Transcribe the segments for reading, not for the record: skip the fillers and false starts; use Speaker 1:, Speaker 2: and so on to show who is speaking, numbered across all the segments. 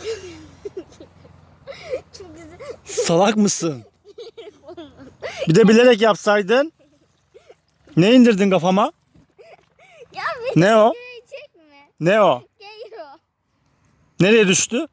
Speaker 1: Çok güzel.
Speaker 2: Salak mısın? Bir de bilerek yapsaydın. Ne indirdin kafama?
Speaker 1: Ya
Speaker 2: Ne o?
Speaker 1: çekme.
Speaker 2: Ne o?
Speaker 1: Geliyor.
Speaker 2: Nereye düştü?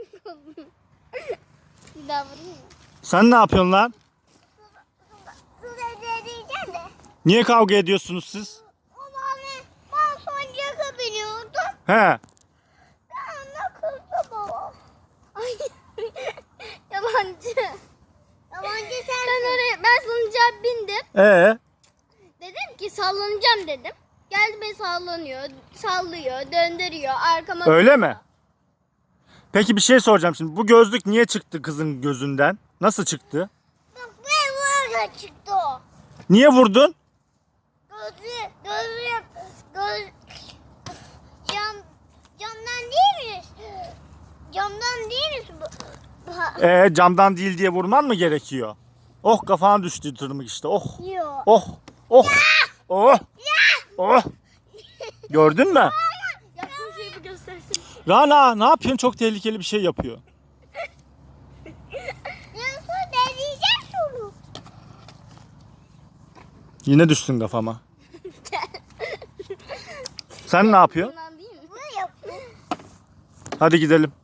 Speaker 1: Bir daha vurayım mı?
Speaker 2: Sen ne yapıyorsun lan?
Speaker 1: Su diyeceğim de.
Speaker 2: Niye kavga ediyorsunuz siz?
Speaker 1: O mavi ben sancaka biniyordum.
Speaker 2: He.
Speaker 1: Ben de kızdı baba. Ay. Yabancı. Yabancı sen. Ben salıncağa bindim. Dedim ki sallanacağım dedim. Geldi beni sallıyor, döndürüyor, arkama.
Speaker 2: Öyle mi? Peki bir şey soracağım şimdi. Bu gözlük niye çıktı kızın gözünden? Nasıl çıktı?
Speaker 1: Bak böyle çıktı o.
Speaker 2: Niye vurdun?
Speaker 1: Camdan değil mi? Camdan değil mi?
Speaker 2: Camdan değil diye vurman mı gerekiyor? Oh kafana düştü tırmık işte. Oh.
Speaker 1: Yok.
Speaker 2: Oh. Oh. Oh. Oh. Gördün mü?
Speaker 1: Yaptığın şeyi bir göstersin.
Speaker 2: Rana ne yapıyorsun? Çok tehlikeli bir şey yapıyor.
Speaker 1: Nasıl deneyeceğim şunu?
Speaker 2: Yine düştün kafama. Sen ne yapıyorsun?
Speaker 1: Bundan değil mi? Bunu yapıyor.
Speaker 2: Hadi gidelim.